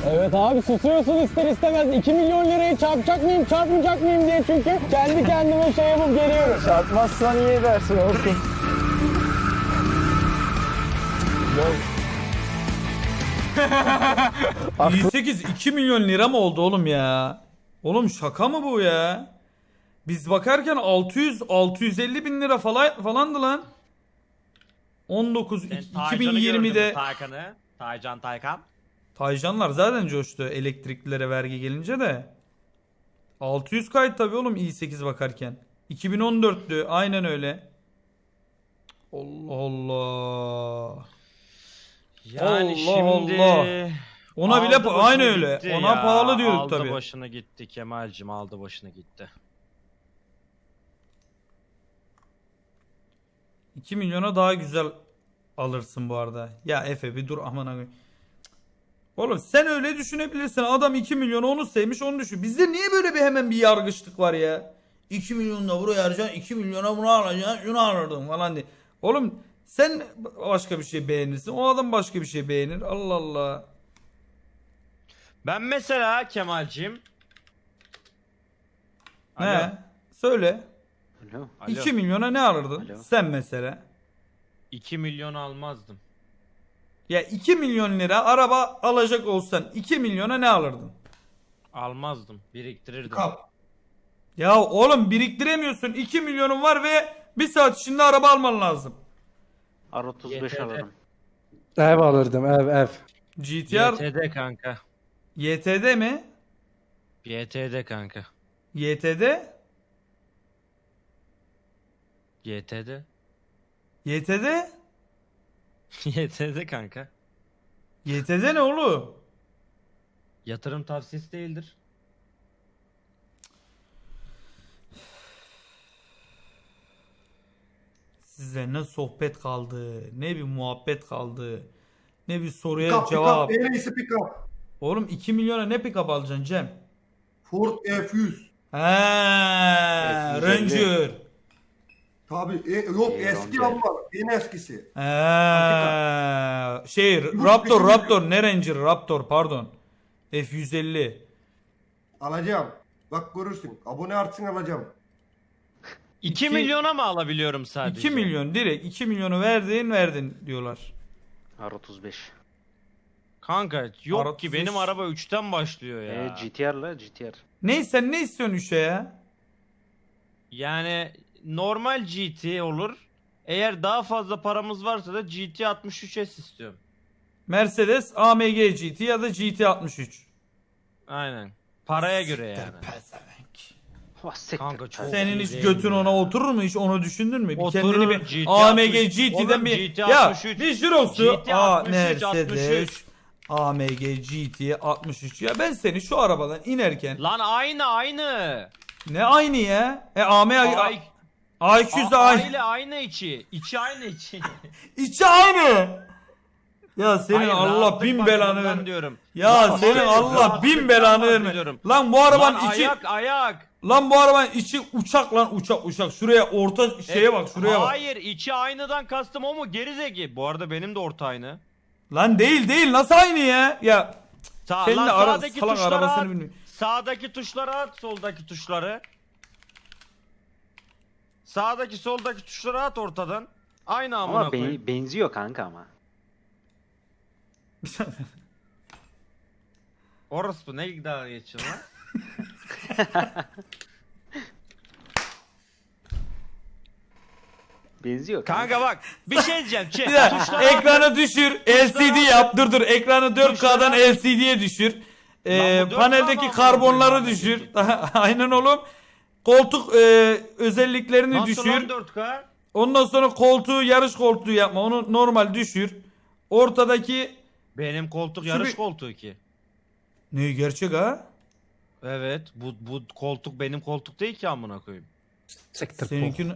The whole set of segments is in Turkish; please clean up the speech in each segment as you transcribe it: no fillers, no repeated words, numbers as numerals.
Evet abi susuyorsun ister istemez. 2 milyon lirayı çarpacak mıyım çarpmayacak mıyım diye çünkü kendi kendime şey yapıp geliyorum. Çarpmazsan iyi edersin Orkun. i8 2 milyon lira mı oldu oğlum ya? Oğlum şaka mı bu ya? Biz bakarken 650 bin lira falandı lan. 19 2020'de Taycan'ı. Taycan. Taycanlar zaten coştu elektriklilere vergi gelince de. 600 kayıt tabii oğlum i8 bakarken. 2014'tü aynen öyle. Allah Allah. Yani Allah şimdi Allah. Ona bile aldı başını aynı öyle. gitti Ona ya. pahalı diyorduk aldı tabii. Aldı başını gitti Kemal'cim, aldı başını gitti. 2 milyona daha güzel alırsın bu arada. Ya Efe bir dur aman abi. Oğlum sen öyle düşünebilirsin. Adam 2 milyonu onu sevmiş onu düşün. Bizde niye böyle bir hemen bir yargıçlık var ya? 2 milyon da buraya harcayacaksın, 2 milyona bunu alacaksın, şunu alırdın falan diye. Oğlum sen başka bir şey beğenirsin. O adam başka bir şey beğenir. Allah Allah. Ben mesela Kemal'cim. Ne? Söyle. Alo. 2 milyona ne alırdın? Alo. Sen mesela. 2 milyon almazdım. Ya 2 milyon lira araba alacak olsan 2 milyona ne alırdın? Almazdım. Biriktirirdim. Kap. Ya oğlum biriktiremiyorsun. 2 milyonun var ve bir saat içinde araba alman lazım. R35 YTD. alırım. Ev alırdım ev. GTR YTD kanka. YTD mi? YTD kanka. YTD? YTD. YTD? YTD kanka. YTD ne oğlum? Yatırım tavsiyesi değildir. Size ne sohbet kaldı, ne bir muhabbet kaldı, ne bir soruya Pick-up, cevap. en iyisi pick-up. Oğlum 2 milyona ne pick-up alacaksın Cem? Ford F100. He, F150. Ranger. Tabii yok eski Ranger. ama en eskisi. He, şey Yurt Raptor dışı- ne Ranger Raptor pardon. F150. Alacağım. Bak görürsün. Abone artsın alacağım. 2 milyona mı alabiliyorum sadece? 2 milyon direkt 2 milyonu verdin diyorlar. R35. Kanka yok Arada ki benim sus. araba 3'ten başlıyor ya. GTR'la GTR. Sen ne istiyorsun 3'e ya? Yani normal GT olur. Eğer daha fazla paramız varsa da GT 63S istiyorum. Mercedes AMG GT ya da GT 63. Aynen. Paraya göre yani. Oh, siktir. Kanka çok Senin iyi hiç değil götün mi ona ya? oturur mu? Hiç onu düşündün mü? Bir Oturur, kendini bir GT AMG 60. GT'den Oğlum, bir GT ya 63. bir jirosu GT 63, Mercedes 63. AMG GT 63 ya ben seni şu arabadan inerken Lan aynı. ne aynı ya? Ay, A200 de aynı. aile aynı içi. İçi aynı içi. İçi aynı. Ya senin Hayır, Allah rahatlık bin bakımından belanı ver. diyorum. Ya Lan senin hayır, Allah rahatlıktan bin belanı verme. bahsediyorum. Lan bu arabanın Lan içi ayak. lan bu arabanın içi uçak lan uçak. Şuraya orta şeye bak şuraya bak. Hayır içi aynıdan kastım o mu gerizeki? Bu arada benim de orta aynı. Lan değil nasıl aynı ya? Ya senin Lan de sağdaki salak tuşlara arabasını at. bilmiyorum. Sağdaki tuşlara at, soldaki tuşları. Sağdaki soldaki tuşları at ortadan. Aynı amına Ama koyayım. benziyor kanka ama. Orası bu ne daha geçiyor lan? Benziyor Kanka bak bir şey diyeceğim. Bir dakika, Tuşlara ekranı düşür. LCD yap. Dur. Ekranı 4K'dan Tuşlara- LCD'ye düşür. Lan bu 4K Paneldeki mı karbonları amına düşür. koyayım? Aynen oğlum. Koltuk özelliklerini Nasıl düşür. lan 4K? Ondan sonra koltuğu yarış koltuğu yapma. Onu normal düşür. Ortadaki Benim koltuk Şu yarış bir- koltuğu ki. ne gerçek ha? Evet bu koltuk benim koltuk değil ki amına koyayım. Siktir Seninkini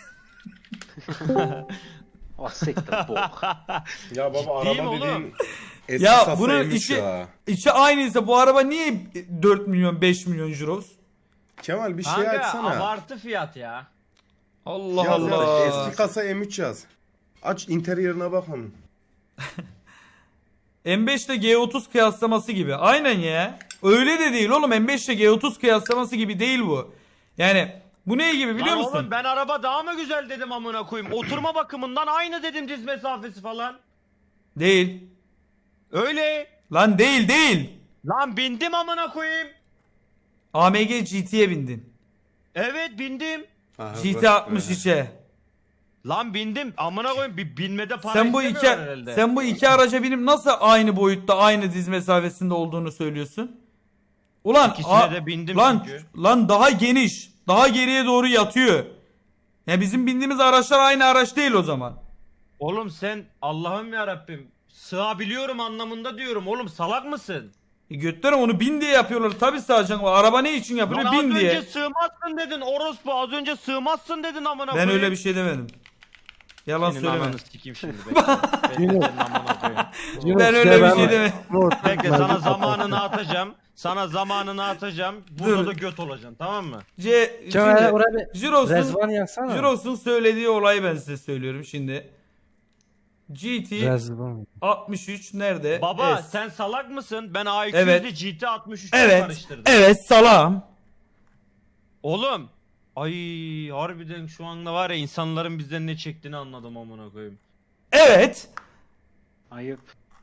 Oh siktir bok. Ya baba Değil mi araba oğlum? dediğin eski Ya kasa bunun M3 içi ya. içi aynıysa bu araba niye 4 milyon 5 milyon euros? Kemal bir şey Kanka açsana. abartı fiyat ya. Allah Yaz Allah. Eski kasa M3 yaz. Aç interioruna bak onun. M5 ile G30 kıyaslaması gibi. Aynen ya. Öyle de değil oğlum. M5 ile G30 kıyaslaması gibi değil bu. Yani bu ne gibi biliyor Lan musun? oğlum ben araba daha mı güzel dedim amına koyayım. Oturma bakımından aynı dedim, diz mesafesi falan. Değil. Öyle. Lan değil. Lan bindim amına koyayım. AMG GT'ye bindin. Evet bindim. Aha, GT bak 63'e. Lan bindim amına koyayım, bir binmede para Sen bu istemiyorlar herhalde. sen bu iki araca binip nasıl aynı boyutta, aynı diz mesafesinde olduğunu söylüyorsun? Ulan İkisine de bindim lan çünkü. lan daha geniş, daha geriye doğru yatıyor. Ya bizim bindiğimiz araçlar aynı araç değil o zaman. Oğlum sen Allah'ım ya Rabbim sığabiliyorum anlamında diyorum oğlum, salak mısın? Götlerim onu bin diye yapıyorlar. Tabii sığacaksın. Araba ne için yapılıyor? Lan Bin az diye. önce sığmazsın dedin orospu, az önce sığmazsın dedin amına Ben koyayım. öyle bir şey demedim. Yalan Senin söyleme. ananı sikeyim şimdi bekle. Bekle senin amına koyayım. Ben öyle bir şey demedim. Bekle sana zamanını atacağım. Sana zamanını atacağım. Burada Dur. da göt olacaksın, tamam mı? Kemal oraya bir Jiros'un rezvan yazsana. Jiros'un söylediği olayı ben size söylüyorum şimdi. GT Rezvan. 63 nerede? Baba S. sen salak mısın? Ben A200 Evet. ile GT 63'ü Evet. karıştırdım. Evet salam. Oğlum. Ay harbiden şu anda var ya, insanların bizden ne çektiğini anladım amına koyayım. Evet. Ayıp.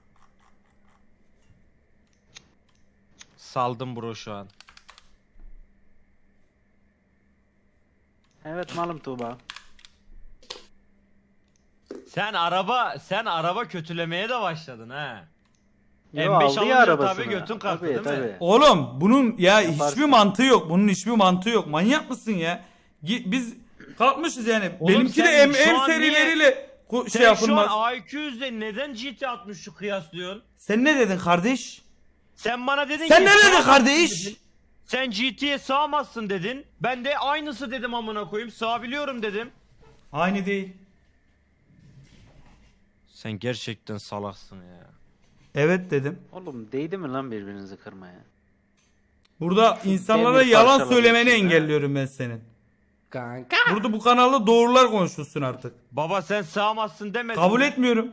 Saldım bro şu an. Evet malum Tuğba. Sen araba kötülemeye de başladın ha. Yo, M5 aldı ya alınca arabasını. tabii götün kalktı değil mi? Tabii. Oğlum bunun ya Yaparsın. hiçbir mantığı yok. Bunun hiçbir mantığı yok. Manyak mısın ya? Biz kalkmışız yani. Oğlum Benimki de sen M şu an serileriyle şey Sen şu yapılmaz. an A200'de neden GT 63'ü kıyaslıyorsun? Sen ne dedin kardeş? Sen bana dedin Sen ki... ne dedin sığamazsın kardeş? dedin. Sen GT'ye sığamazsın dedin. Ben de aynısı dedim amına koyayım. Sığabiliyorum dedim. Aynı değil. Sen gerçekten salaksın ya. Evet dedim. Oğlum değdi mi lan birbirinizi kırmaya? Burada insanlara demir yalan parçaladı söylemeni içinde. engelliyorum ben senin. Kanka. Burada bu kanalda doğrular konuşulsun artık. Baba sen sığamazsın demedin. Kabul mi? etmiyorum.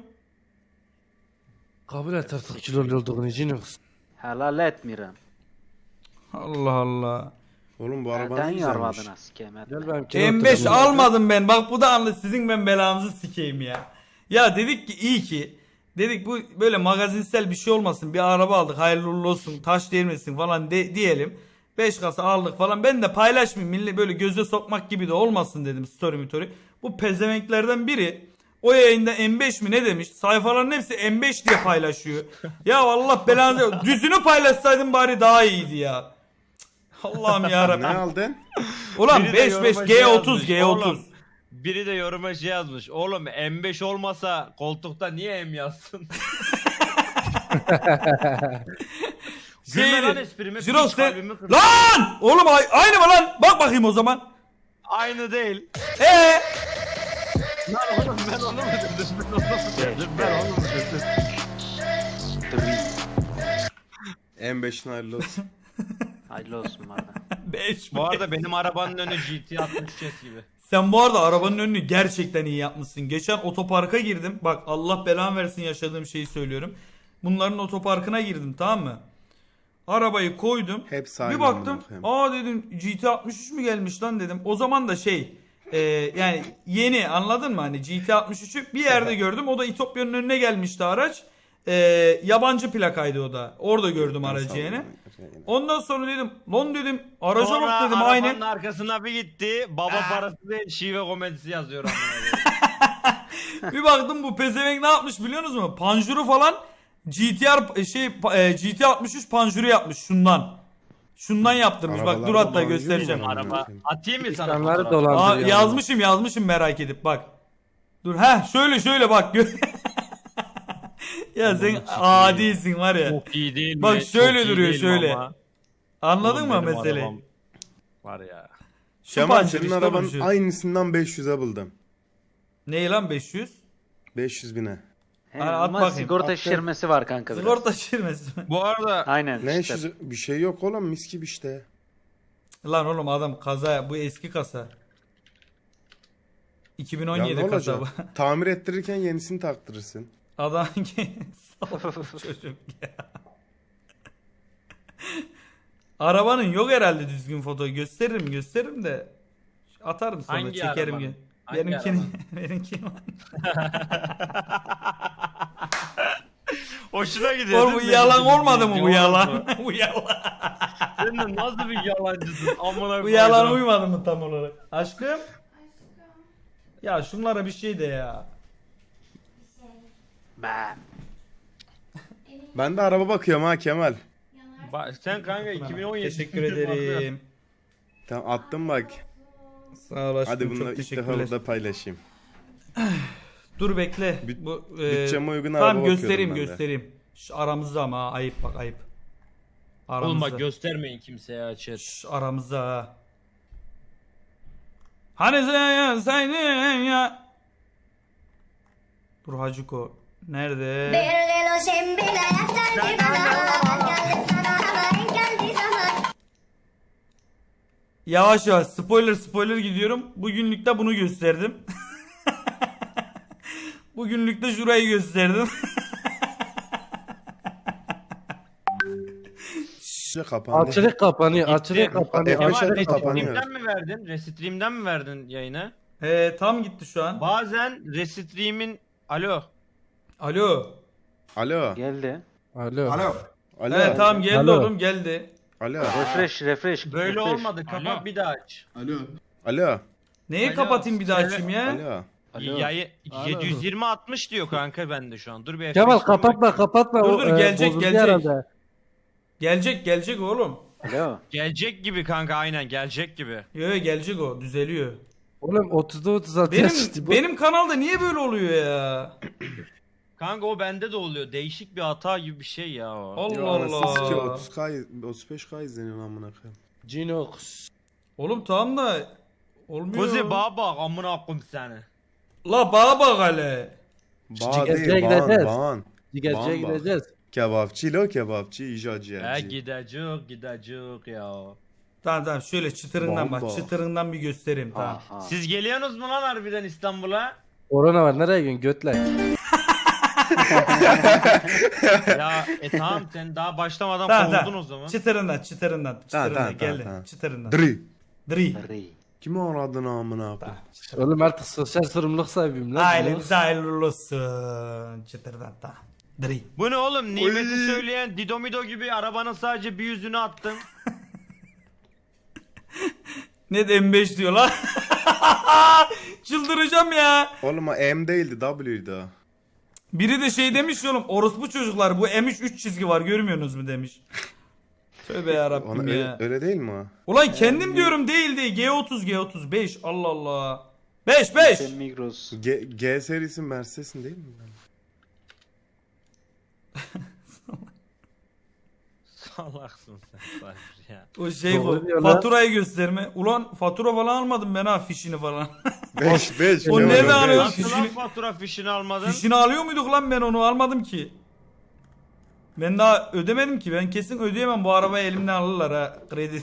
Kabul et artık kilolu olduğunu için yoksun. Helal etmiyorum. Allah Allah. Oğlum bu araba Elden ne güzelmiş. yarvadına sikeyim etme. Gel benim M5 almadım ben. Bak bu da anlı sizin ben belanızı sikeyim ya. Ya dedik ki iyi ki. Dedik bu böyle magazinsel bir şey olmasın. Bir araba aldık hayırlı uğurlu olsun. Taş değmesin falan diyelim. 5 kasa aldık falan. Ben de paylaşmayayım. Millet böyle göze sokmak gibi de olmasın dedim story. Bu pezevenklerden biri o yayında M5 mi ne demiş? Sayfaların hepsi M5 diye paylaşıyor. Ya Allah belanı. Düzünü paylaşsaydın bari daha iyiydi ya. Allah'ım Ne yarabbim. aldın? Ulan Biri de 5 yoruma 5 şey G30 yazmış, G30. oğlum. Biri de yoruma şey yazmış. Oğlum M5 olmasa koltukta niye M yazsın? Gülme lan esprime. Jiros piç kalbimi kırdın. Lan! Oğlum aynı mı lan? Bak bakayım o zaman. Aynı değil. Lan oğlum ben onu mu dedim? Ben onu mu dedim? M5'in hayırlı olsun. Hayırlı olsun bana. 5 Bu arada benim arabanın önü GT 63 gibi. Sen bu arada arabanın önünü gerçekten iyi yapmışsın. Geçen otoparka girdim. Bak Allah belamı versin yaşadığım şeyi söylüyorum. Bunların otoparkına girdim, tamam mı? Arabayı koydum. Hepsi Bir aynı baktım. amına koyayım. Dedim GT 63 mü gelmiş lan dedim. O zaman da yani yeni, anladın mı? Hani GT 63'ü bir yerde gördüm. O da İtopya'nın önüne gelmişti araç. Yabancı plakaydı o da. Orada gördüm aracı yani. Ondan sonra dedim lan dedim araca Sonra bak dedim arabanın aynen. arkasına bir gitti. Baba parası değil şive komedisi yazıyor amına koyayım. Bir baktım bu pezevenk ne yapmış biliyor musunuz? Panjuru falan GT 63 panjuru yapmış şundan. Şundan yaptırmış. Bak dur Arabalarda hatta panjur göstereceğim. mu var? Araba atayım mı sana İnsanları fotoğraf? dolandırıyor. Yazmışım merak edip bak. Dur şöyle bak. Ya sen adisin var ya. Çok iyi değil mi? Bak şöyle Çok iyi duruyor değil şöyle. ama. Anladın Oğlum mı benim meseleyi? arabam Var ya. Şu Kemal panjur senin işte arabanın bu şu. aynısından 500'e buldum. Ne lan 500? 500 bine. He, Hadi at ama bakayım. sigorta Attım. şişirmesi var kanka biraz. Sigorta şirmesi. Bu arada Aynen Ne işte. bir şey yok oğlum mis gibi işte. Lan oğlum adam kaza bu eski kasa. Ya 2017 ne kasa bu. olacak? Tamir ettirirken yenisini taktırırsın. Adam çocuk ya. Arabanın yok herhalde düzgün foto. Gösteririm de. Atarım sonra Hangi çekerim. arabanın? Benimkini. Benimkini. Hoşuna gidiyor. Oğlum bu değil mi? yalan olmadı mı bu Yalan yalan? mı? Bu yalan. Sen de nasıl bir yalancısın? Amına Bu yalan koydum. uymadı mı tam olarak? Aşkım? Ya şunlara bir şey de ya. Ben. Ben de araba bakıyorum ha Kemal. Sen kanka 2017. Teşekkür ederim. Tamam attım bak. Sağ ol aşkım, Hadi bunu çok ilk defa teşekkürler. burada paylaşayım. Dur bekle. Bütçeme uygun araba Tamam bakıyordum göstereyim ben de. göstereyim. Şu aramızda ama ha, ayıp bak ayıp. Aramızda. Oğlum bak göstermeyin kimseye açır. Aramızda ha. Hani sen ya. Dur Hacıko. Nerede? Yavaş yavaş spoiler gidiyorum. Bugünlükte bunu gösterdim. Bugünlükte şurayı gösterdim. Kapandı. Açılık kapanıyor. Gitti. Açılık kapanıyor. Kemal, Açılık kapanıyor. kapanıyor. Restream'den mi verdin? Restream'den mi verdin yayını? Tam gitti şu an. Bazen Restream'in... Alo. Alo. Alo. Geldi. Alo. Alo. Alo. Evet tamam geldi Alo. oğlum geldi. Alo. Refresh. Böyle refresh. olmadı. Kapat bir daha aç. Alo. Neyi Alo, kapatayım bir daha söyle. açayım ya? Alo. Alo. Yayı 720-60 diyor kanka bende şu an. Dur bir Kemal F5 kapatma. Dur, gelecek, bozuldu gelecek. herhalde. Gelecek oğlum. Alo. Gelecek gibi kanka aynen gelecek gibi. Yo gelecek o düzeliyor. Oğlum 30'da 36 yaşlı. Benim kanalda niye böyle oluyor ya? Kanka o bende de oluyor. Değişik bir hata gibi bir şey ya o. Allah Ya anasını sikeyim, Allah. 30K 35K izleniyor amına koyayım. Cinox. Oğlum tamam da olmuyor. Kuzi baba amına koyayım seni. La bana bak hele. Bağ Cigazcıya değil gideceğiz. bağın. Cigerciye Bamba. gideceğiz. Kebapçı lo kebapçı icacı He yerci. gidecek ya. Tamam şöyle çıtırından bak. Bomba. Çıtırından bir göstereyim tamam. Aha. Siz geliyorsunuz mu lan harbiden İstanbul'a? Korona var. Nereye gidiyorsun? Götle. Ya tamam sen daha başlamadan Tamam kovuldun tamam. o zaman. Çıtırından tamam, geldi. tamam. Çıtırından. Dri. Dri. Ri. Kimi aradın amına koyayım? Oğlum artık sosyal sorumluluk sahibiyim lan. Ailenize hayırlı olsun. Çıtırdan da. Dri. Bu ne oğlum? Nimeti Oy. söyleyen Didomido gibi arabanın sadece bir yüzünü attın. Ne de M5 diyor lan. Çıldıracağım ya. Oğlum o M değildi W'ydi o. Biri de şey demiş ya oğlum orospu çocuklar bu M3 3 çizgi var görmüyorsunuz mu demiş. Tövbe yarabbim Ona ya. öyle değil mi o? Ulan kendim diyorum değil değil G30 5 Allah Allah. 5 Sen Migros. G serisi Mercedes'in değil mi? Salaksın sen Sabri ya. O şey Doğru bu diyor lan. faturayı gösterme. Ulan fatura falan almadım ben ha fişini falan. 5 O nereden alıyor? Nasıl lan Fişini- fatura fişini almadın? Fişini alıyor muyduk lan ben onu almadım ki. Ben daha ödemedim ki ben kesin ödeyemem bu arabayı elimden alırlar ha kredi.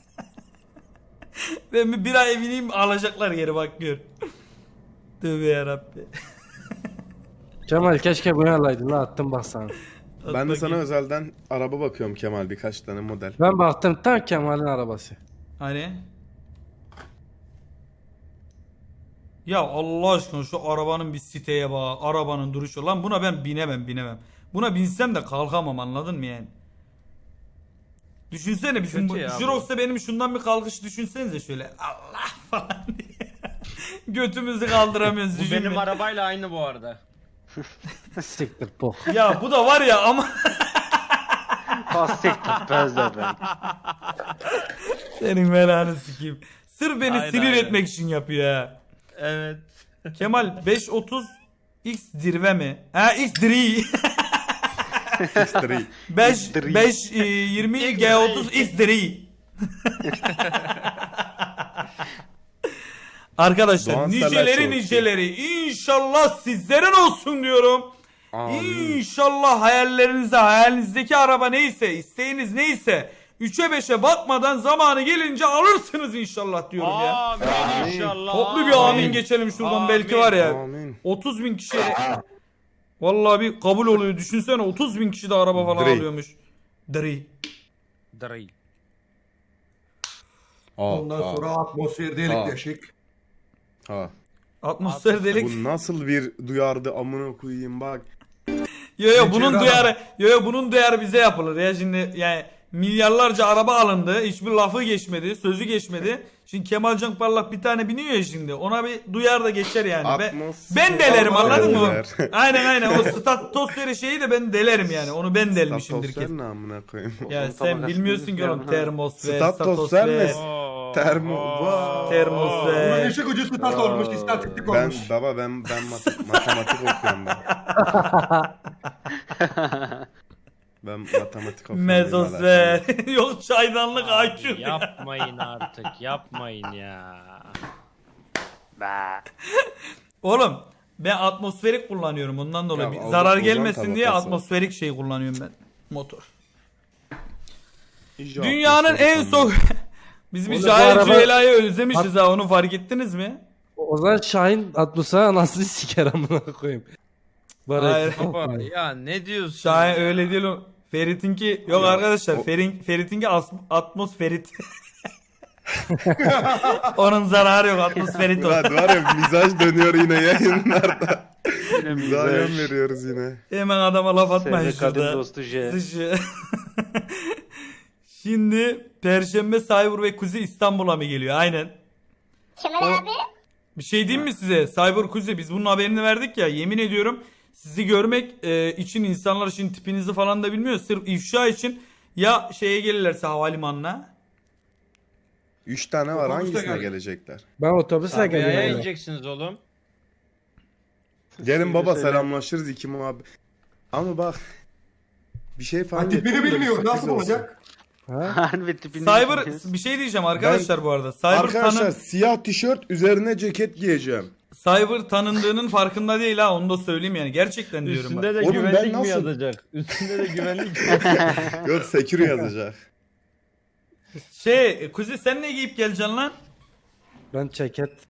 Ben bir ay bineyim alacaklar geri bak gör. Tövbe yarabbi. Kemal keşke bunu alaydın lan attım bak sana. Ben de sana özelden araba bakıyorum Kemal birkaç tane model. Ben baktım tam Kemal'in arabası. Hani? Ya Allah aşkına şu arabanın bir siteye bak. Arabanın duruşu. Lan buna ben binemem. Buna binsem de kalkamam anladın mı yani? Düşünsene bizim Kötü ya bu. Jirox'ta benim şundan bir kalkış düşünsenize şöyle. Allah falan diye. Götümüzü kaldıramıyoruz Bu düşünme. benim arabayla aynı bu arada. Siktir bok. Ya bu da var ya ama Pastik tutmaz da ben. senin belanı sikeyim. Sırf beni Aynen, sinir aynen. etmek için yapıyor ya. Evet. Kemal 530 X dirve mi? Ha X dri. X3. 5 20 G30 X dri. Arkadaşlar Doğan niceleri Selçuk. inşallah sizlerin olsun diyorum. Amin. İnşallah hayalinizdeki araba neyse isteğiniz neyse 3'e 5'e bakmadan zamanı gelince alırsınız inşallah diyorum ya. Amin inşallah. Toplu bir amin geçelim şuradan belki var ya. Amin. 30.000 kişiye Vallahi bir kabul oluyor. Düşünsene 30.000 kişi de araba falan Dri. alıyormuş. Dri. Drill. Ondan sonra atmosfer delik deşik. Ha. Atmosfer delik. Bu nasıl bir duyardı amına koyayım bak. Yo bunun Geçiyor duyarı bunun duyarı bize yapılır ya şimdi yani milyarlarca araba alındı. Hiçbir lafı geçmedi, sözü geçmedi. Şimdi Kemalcan Parlak bir tane biniyor ya şimdi. Ona bir duyar da geçer yani. Ben delerim anladın mı? Aynen o statosferi şeyi de ben delerim yani. Onu ben delmişimdir Statosfer ki. ne amına koyayım? Ya Onun sen tabakasını bilmiyorsun ki oğlum bilmiyorum. termosfer, Statosfer statosfer, mi? Bunun termosfer. işi gücü stat olmuş, istatistik olmuş. Ben matematik okuyorum ben. Ben matematik okuyorum. Mezosfer. Yok çaydanlık Abi IQ. yapmayın artık, yapmayın ya. Oğlum ben atmosferik kullanıyorum ondan dolayı. Ya, Bir ozon- zarar ozon gelmesin diye tabakası. atmosferik şey kullanıyorum ben. Motor. İyice Dünyanın atmosferi en soğuk... Biz bir Oğlum, bu Cahil araba- Cüela'yı özlemişiz ha onu fark ettiniz mi? O zaman Şahin Atmus'a anasını siker amına koyayım. Hayır. Baba ya ne diyorsun? Şahin öyle değil o. Ferit'inki yok Ya, arkadaşlar. o- Ferit'inki atmosferit. Onun zararı yok atmosferit o. Ulan var ya mizaj dönüyor yine yayınlarda. Yine Mizaja mizaj. veriyoruz yine. Hemen adama laf atmayın Sevgili kadın şurada. dostu J. Dışı. Şimdi Perşembe Cyber ve Kuzi İstanbul'a mı geliyor? Aynen. Kemal abi. Bir şey diyeyim mi size? Cyber Kuzi biz bunun haberini verdik ya. Yemin ediyorum sizi görmek için insanlar için tipinizi falan da bilmiyor. Sırf ifşa için ya şeye gelirlerse havalimanına. 3 tane var, Otobüste hangisine gel. gelecekler? Ben otobüsle Sabiha'ya geliyorum. ineceksiniz oğlum. Gelin baba Söyle. selamlaşırız iki muhabbet. Ama bak bir şey Ha, fark tipini ettim de bilmiyor, sürpriz nasıl olsun. olacak? Ha? Harbi tipini Cyber bilmiyoruz. bir şey diyeceğim arkadaşlar bu arada. Cyber, Arkadaşlar siyah tişört üzerine ceket giyeceğim. Cyber tanındığının farkında değil ha onu da söyleyeyim yani. Gerçekten diyorum Üstünde bak. de Oğlum ben güvenlik mi nasıl- yazacak? Üstünde de güvenlik. Yok secure yazacak. Kuzi sen ne giyip geleceksin lan? Ben ceket